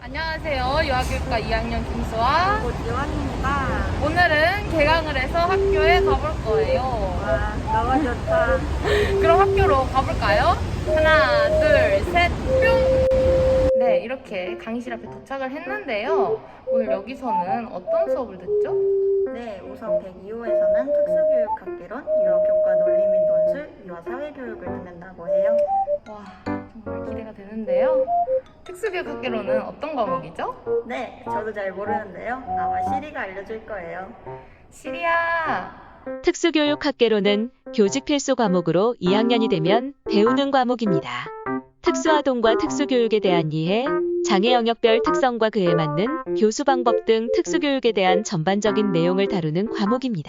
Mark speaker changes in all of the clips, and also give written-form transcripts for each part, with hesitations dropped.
Speaker 1: 안녕하세요. 유아교육과 2학년 김수아.
Speaker 2: 고지원입니다.
Speaker 1: 오늘은 개강을 해서 학교에 가볼 거예요.
Speaker 2: 와, 너무 좋다.
Speaker 1: 그럼 학교로 가볼까요? 하나, 둘, 셋, 뿅! 네, 이렇게 강의실 앞에 도착을 했는데요. 오늘 여기서는 어떤 수업을 듣죠?
Speaker 2: 네, 우선 102호에서는 특수교육학개론, 유아교과 논리 및 논술, 유아사회교육을 듣는다고 해요.
Speaker 1: 와, 정말 기대가 되는데요. 특수교육학개론은 어떤 과목이죠?
Speaker 2: 네, 저도 잘 모르는데요. 아마 시리가 알려줄 거예요.
Speaker 1: 시리야!
Speaker 3: 특수교육학개론은 교직 필수 과목으로 2학년이 되면 배우는 과목입니다. 특수아동과 특수교육에 대한 이해, 장애 영역별 특성과 그에 맞는 교수 방법 등 특수교육에 대한 전반적인 내용을 다루는 과목입니다.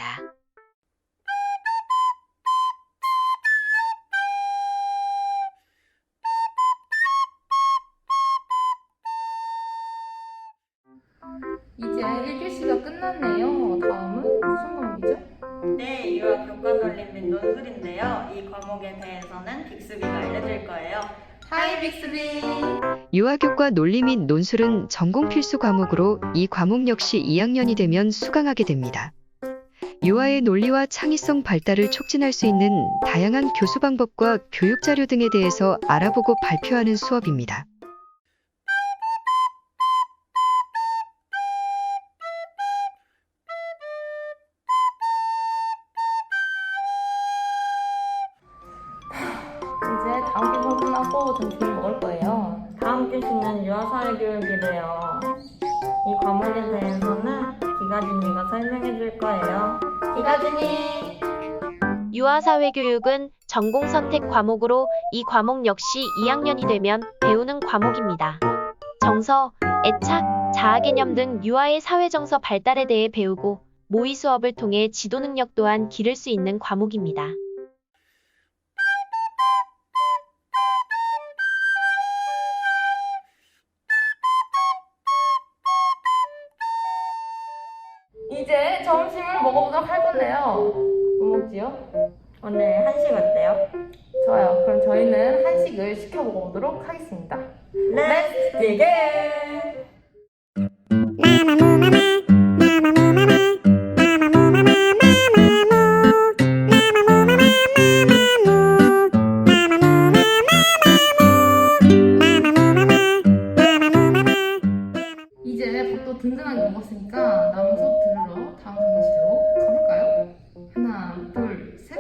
Speaker 1: 이제 1교시가 끝났네요. 다음은 무슨 과목이죠?
Speaker 2: 네, 유아교과 논리 및 논술인데요. 이 과목에 대해서는 빅스비가 알려줄 거예요.
Speaker 1: 하이 빅스비!
Speaker 4: 유아교과 논리 및 논술은 전공 필수 과목으로 이 과목 역시 2학년이 되면 수강하게 됩니다. 유아의 논리와 창의성 발달을 촉진할 수 있는 다양한 교수 방법과 교육 자료 등에 대해서 알아보고 발표하는 수업입니다.
Speaker 1: 이제 다음 교 끝나고 점심을 먹을 거예요.
Speaker 2: 다음 교시는 유아사회교육이래요. 이 과목에 대해서는 기가진이가 설명해 줄 거예요. 기가진이!
Speaker 3: 유아사회교육은 전공 선택 과목으로 이 과목 역시 2학년이 되면 배우는 과목입니다. 정서, 애착, 자아 개념 등 유아의 사회 정서 발달에 대해 배우고 모의 수업을 통해 지도 능력 또한 기를 수 있는 과목입니다.
Speaker 1: 이제 점심을 먹어보도록 할 건데요. 뭐 먹지요?
Speaker 2: 오늘 한식 어때요?
Speaker 1: 좋아요. 그럼 저희는 한식을 시켜 먹어보도록 하겠습니다.
Speaker 2: Let's dig in!
Speaker 1: 이제 밥도 든든하게 먹었으니까 남은 수업 들으러 다음 강의실로 가볼까요? 하나, 둘, 셋,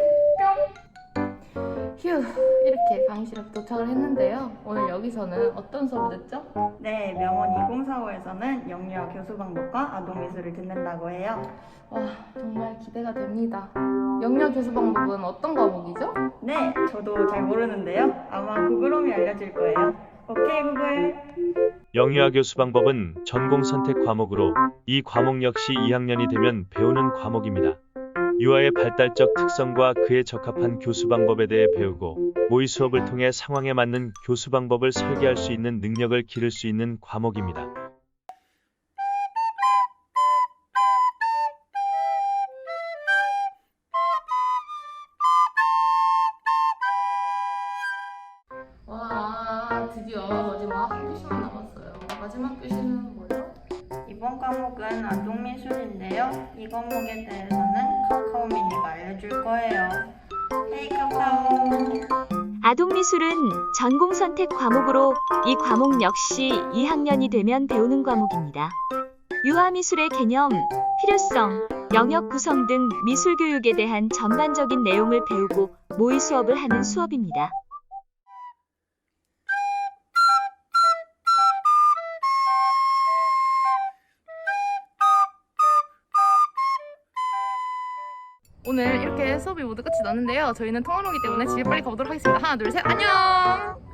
Speaker 1: 뿅! 휴, 이렇게 강의실 앞에 도착을 했는데요. 오늘 여기서는 어떤 수업을 듣죠?
Speaker 2: 네, 명원 2045에서는 영유아 교수 방법과 아동 미술을 듣는다고 해요.
Speaker 1: 와, 정말 기대가 됩니다. 영유아 교수 방법은 어떤 과목이죠?
Speaker 2: 네, 저도 잘 모르는데요. 아마 구글홈이 알려줄 거예요. 오케이, 구글!
Speaker 5: 영유아 교수 방법은 전공 선택 과목으로 이 과목 역시 2학년이 되면 배우는 과목입니다. 유아의 발달적 특성과 그에 적합한 교수 방법에 대해 배우고 모의 수업을 통해 상황에 맞는 교수 방법을 설계할 수 있는 능력을 기를 수 있는 과목입니다.
Speaker 1: 와, 드디어 마지막 한 교시만 남았어요. 마지막 교시는 뭐죠?
Speaker 2: 이번 과목은 아동 미술인데요. 이 과목에 대해서는 카카오 미니가 알려줄 거예요. 헤이 카카오!
Speaker 3: 아동미술은 전공 선택 과목으로 이 과목 역시 2학년이 되면 배우는 과목입니다. 유아미술의 개념, 필요성, 영역 구성 등 미술 교육에 대한 전반적인 내용을 배우고 모의 수업을 하는 수업입니다.
Speaker 1: 오늘 이렇게 수업이 모두 끝이 났는데요. 저희는 통화로기 때문에 집에 빨리 가보도록 하겠습니다. 하나, 둘, 셋, 안녕!